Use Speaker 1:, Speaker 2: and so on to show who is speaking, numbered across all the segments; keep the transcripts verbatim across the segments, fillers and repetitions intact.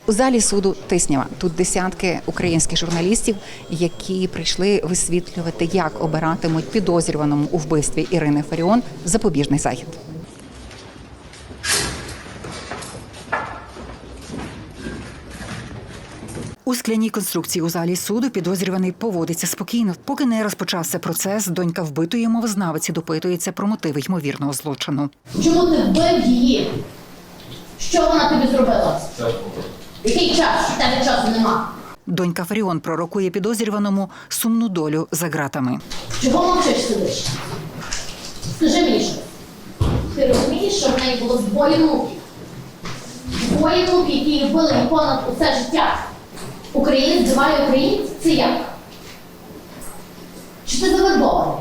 Speaker 1: У залі суду Тиснява тут десятки українських журналістів, які прийшли висвітлювати, як обиратимуть підозрюваному у вбивстві Ірини Фаріон запобіжний захід. У скляній конструкції у залі суду підозрюваний поводиться спокійно. Поки не розпочався процес, донька вбитої мовознавиці допитується про мотиви ймовірного злочину.
Speaker 2: Чому ти вбив її? Що вона тобі зробила? Який час? У тебе часу нема.
Speaker 1: Донька Фаріон пророкує підозрюваному сумну долю за ґратами.
Speaker 2: Чого мовчиш сидиш? Скажи мені що. Ти розумієш, що в неї було двоє внуків? Двоє внуків, які любили її понад усе життя. Українець вбиває українців? Це як? Чи ти завербований?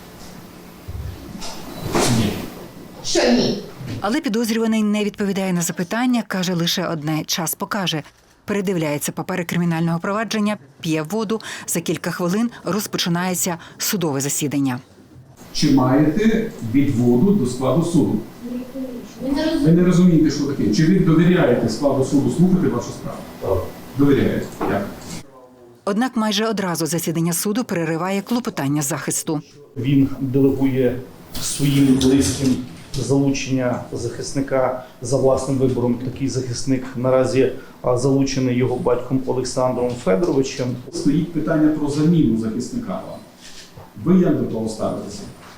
Speaker 3: Ні.
Speaker 2: Що ні?
Speaker 1: Але підозрюваний не відповідає на запитання, каже лише одне – час покаже. Передивляється папери кримінального провадження, п'є воду. За кілька хвилин розпочинається судове засідання.
Speaker 3: Чи маєте відводу до складу суду?
Speaker 2: Ви не
Speaker 3: Ви
Speaker 2: розумієте.
Speaker 3: не розумієте, що таке. Чи ви довіряєте складу суду слухати вашу справу? Так. Довіряєте. Як?
Speaker 1: Однак майже одразу засідання суду перериває клопотання захисту.
Speaker 4: Він делегує своїм близьким залучення захисника за власним вибором. Такий захисник наразі залучений його батьком Олександром Федоровичем.
Speaker 3: Стоїть питання про заміну захисника вам. Ви як до того ставитеся?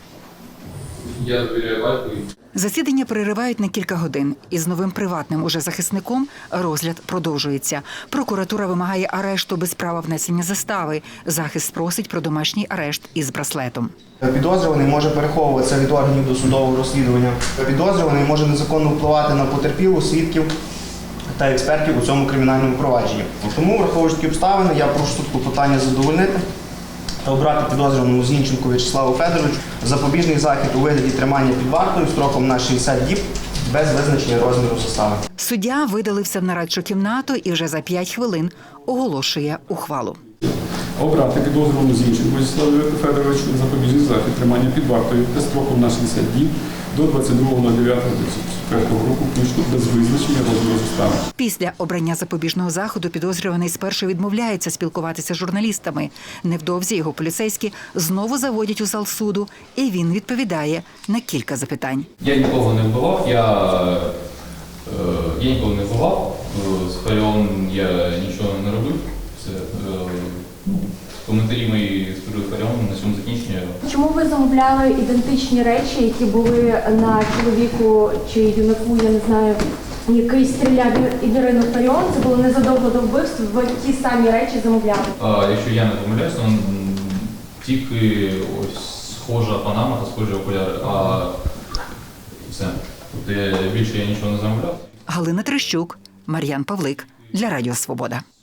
Speaker 5: Я довіряю батькові.
Speaker 1: Засідання переривають на кілька годин. Із новим приватним уже захисником розгляд продовжується. Прокуратура вимагає арешту без права внесення застави. Захист просить про домашній арешт із браслетом.
Speaker 6: Підозрюваний може переховуватися від органів досудового розслідування. Підозрюваний може незаконно впливати на потерпілу, свідків та експертів у цьому кримінальному провадженні. Тому, враховуючи такі обставини, я прошу суд клопотання задовольнити та обрати підозрюваному Зінченку В'ячеславу Федоровичу запобіжний захід у вигляді тримання під вартою строком на шістдесят діб без визначення розміру застави.
Speaker 1: Суддя видалився в нарадчу кімнату і вже за п'ять хвилин оголошує ухвалу.
Speaker 3: Обрати підозрюваному Зінченку В'ячеславу Федоровичу запобіжний захід тримання під вартою строком на шістдесят діб до двадцять другого дев'ятого дві тисячі четвертого року включно без визначення розміру застави.
Speaker 1: Після обрання запобіжного заходу підозрюваний спершу відмовляється спілкуватися з журналістами. Невдовзі його поліцейські знову заводять у зал суду, і він відповідає на кілька запитань.
Speaker 5: Я нікого не вбивав, я, е, я нікого не вбивав, е, з Фаріон я нічого не робив. Все, е, ну, коментарі мої з приводу Фаріон на цьому закінчення.
Speaker 7: Чому ви замовляли ідентичні речі, які були на чоловіку чи юнаку, я не знаю, який стріляв і Ірину Фаріон? Це було незадовго до вбивства, ви ті самі речі замовляли?
Speaker 5: А, якщо я не помиляюсь, то тільки ось схожа панама та схожі окуляри, а все. Тобто я, більше я нічого не замовляв.
Speaker 1: Галина Трещук, Мар'ян Павлик для Радіо Свобода.